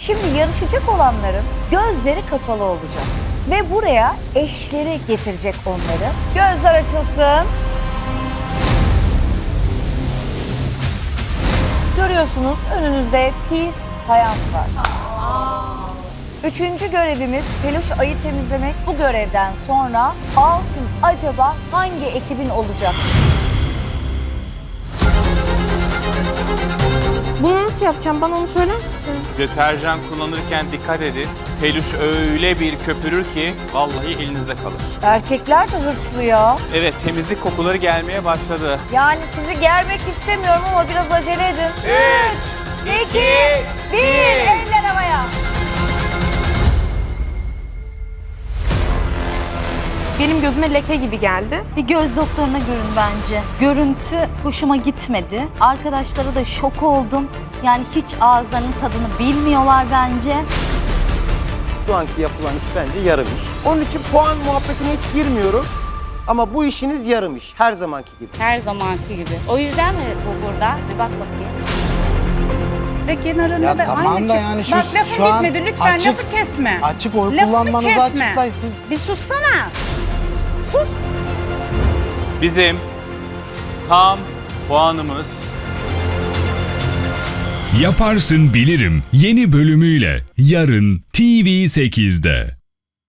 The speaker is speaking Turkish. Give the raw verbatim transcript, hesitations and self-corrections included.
Şimdi yarışacak olanların gözleri kapalı olacak. Ve buraya eşleri getirecek onları. Gözler açılsın. Görüyorsunuz önünüzde pis fayans var. Üçüncü görevimiz peluş ayı temizlemek. Bu görevden sonra altın acaba hangi ekibin olacak? Bunu nasıl yapacağım? Bana onu söyler misin? Deterjan kullanırken dikkat edin. Peluş öyle bir köpürür ki vallahi elinizde kalır. Erkekler de hırslı ya. Evet, temizlik kokuları gelmeye başladı. Yani sizi germek istemiyorum ama biraz acele edin. Üç, iki, bir. Eller havaya. Benim gözüme leke gibi geldi. Bir göz doktoruna görün bence. Görüntü hoşuma gitmedi. Arkadaşlara da şok oldum. Yani hiç ağızlarının tadını bilmiyorlar bence. Şu anki yapılan iş bence yarım iş. Onun için puan muhabbetine hiç girmiyorum. Ama bu işiniz yarım iş. Her zamanki gibi. Her zamanki gibi. O yüzden mi bu burada? Bir bak bakayım. Ve kenarında Ya da tamam aynı da çık- yani şu- Bak lafın şu an bitmedi lütfen açık- lafı kesme. Açık oy Lafımı kullanmanızı kesme. açıklayın siz. Bir sussana. Sus. Bizim tam puanımız Yaparsın Bilirim yeni bölümüyle yarın T V sekizde.